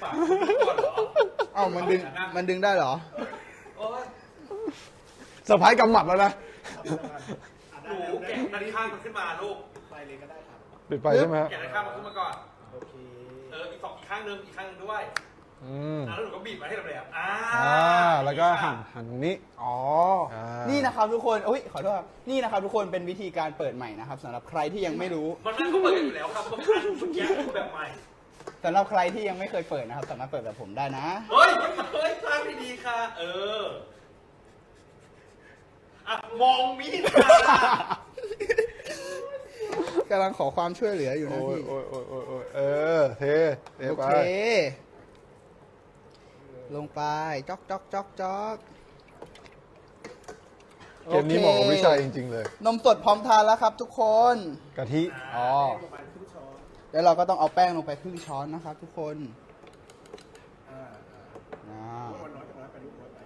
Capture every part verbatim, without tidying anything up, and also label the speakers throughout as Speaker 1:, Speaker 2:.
Speaker 1: ฝากก่อนเหรอ
Speaker 2: เอ้ามันดึงมันดึงได้เหรอ
Speaker 1: โอ้ย
Speaker 3: เซอร์ไพรส์กำหมัดแล้วนะ
Speaker 1: หนูแกะด้านข้างมันขึ้นมาลูก
Speaker 4: ไปเลยก็ได้ครับ
Speaker 3: ปิดไฟใช่ไหมฮะ
Speaker 1: แกะด้านข้างมันขึ้นมาก่อน
Speaker 4: โอเค
Speaker 1: เอออีกสองอีกข้างนึงอีกข้างนึงด้วย
Speaker 3: อืม
Speaker 1: อ่ะแล้วหนูก็บีบมาให้เราเลยอ่ะอ่า
Speaker 3: อ่าแล้วก็หั่นหั่นตรงนี้
Speaker 2: อ๋อ
Speaker 3: อ่า
Speaker 2: นี่นะครับทุกคนอุ้ยขอโทษครับนี่นะครับทุกคนเป็นวิธีการเปิดใหม่นะครับสำหรับใครที่ยังไม่รู้
Speaker 1: มันนั่นก็เปิดอยู่แล้วครับเมื่อกี้เมื่อกี้คือแบบใหม่
Speaker 2: สำหรับใครที่ยังไม่เคยเปิดนะครับสามารถเปิดแบบผมได้นะ
Speaker 1: เฮ้ยเฮ้ยสร้างดีๆค่ะ เอออ่ะมองมีดค่ะ
Speaker 2: กำลังขอความช่วยเหลืออยู่นะ
Speaker 3: โอ้ย
Speaker 2: พี่
Speaker 3: โอ้ยโอ้ยโอ้ยโอ้ยเออเทเท
Speaker 2: โอ
Speaker 3: ไป
Speaker 2: เค ลงไปจ๊อกจ๊อกจ๊อกจ๊อก
Speaker 3: เกมนี้เหมาะกับวิชัยจริง ๆ เลย
Speaker 2: นมสดพร้อมทานแล้วครับทุกคน
Speaker 3: กะทิ
Speaker 2: อ๋อ
Speaker 4: ประมาณครึ่งช้อน
Speaker 2: แล้วเราก็ต้องเอาแป้งลงไปครึ่งช้อนนะครับทุกคน
Speaker 4: อ่า
Speaker 2: อ่า
Speaker 4: อ่าน้อยจะน้อยไปลูกน้อยไป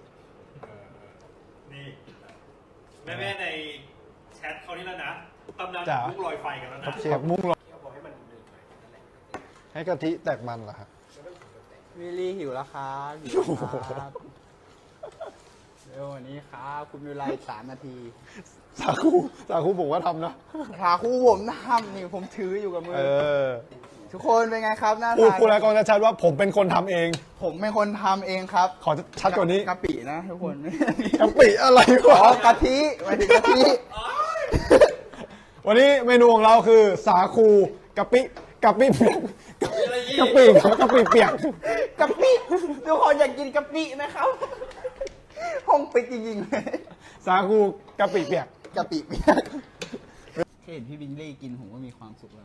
Speaker 1: นี่แม่ๆในแชทเขานี่แล้วนะตำนาน
Speaker 3: จ๋า
Speaker 1: ลูกลอยไฟกันแล้ว
Speaker 3: ครั
Speaker 1: นะ
Speaker 3: บเชฟมุ้งหรอ
Speaker 4: เคี่ยวบอกให้มันหนืดหน่อยนั่นแหละ
Speaker 3: ให้กะทิแตกมันเหรอครับ
Speaker 2: วิลลี่หิวแล้วครับหิวครับเร็ววันนี้ครับ คุณมีเวลาอีกสามนาที
Speaker 3: สาคูสาคูบอกว่าทำนะ
Speaker 2: ขาคู่ผมทำนี่ผมถืออยู่กับมื
Speaker 3: เอ
Speaker 2: อ
Speaker 3: อ
Speaker 2: ทุกคนเป็นไงครับหน้า
Speaker 3: พูด
Speaker 2: ตา
Speaker 3: พูดแล้วก็จะชัดว่าผมเป็นคนทำเอง
Speaker 2: ผมเป็นคนทำเองครับ
Speaker 3: ขอชัดกว่านี้
Speaker 2: กะปินะทุกคน
Speaker 3: กะปิอะไร
Speaker 2: อ๋
Speaker 3: วะ
Speaker 2: อกะทิหมายถึงกะทิ
Speaker 3: วันนี้เมนูของเราคือสาคูกะปิกะปิเปียก
Speaker 1: อะไรยี่
Speaker 3: กะปิกะปิเปียก
Speaker 2: กะปิทุกคนอยากกินกะปินะครับห้องปิดจริงๆเลย
Speaker 3: สาคูกะปิเปียก
Speaker 2: กะปิเปียกแค่เห็นพี่บิงลี่กินผมก็มีความสุขแล้ว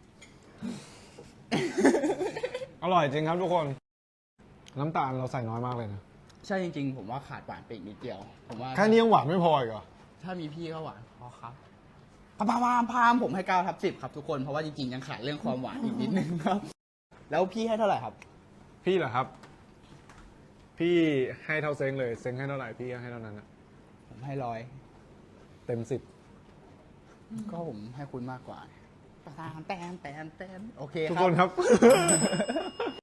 Speaker 3: อร่อยจริงครับทุกคน น้ำตาลเราใส่น้อยมากเลยนะ
Speaker 2: ใช่จริงๆ ผมว่าขาดหวานไปอีกนิดเดียว ผมว่า
Speaker 3: แค่นี้ยังหวานไม่พออีกเหรอ
Speaker 2: ถ้ามีพี่ก็หวานพอครับพามพามพามผมให้เก้าทับสิบครับทุกคน เพราะว่าจริงๆ ยังขาดเรื่องความหวานอีกนิดนึงครับ แล้วพี่ให้เท่าไหร่ครับ
Speaker 3: พี่เหรอครับ พี่ให้เท่าเซ้งเลย เซ้งให้เท่าไหร่พี่ก็ให้เท่านั้นนะ
Speaker 2: ผมให้ร้อย
Speaker 3: เต็มสิบ
Speaker 2: ก็ผมให้คุณมากกว่าแตนแตนแตนแตนโอเค
Speaker 3: ทุก
Speaker 2: ครั
Speaker 3: คนครับ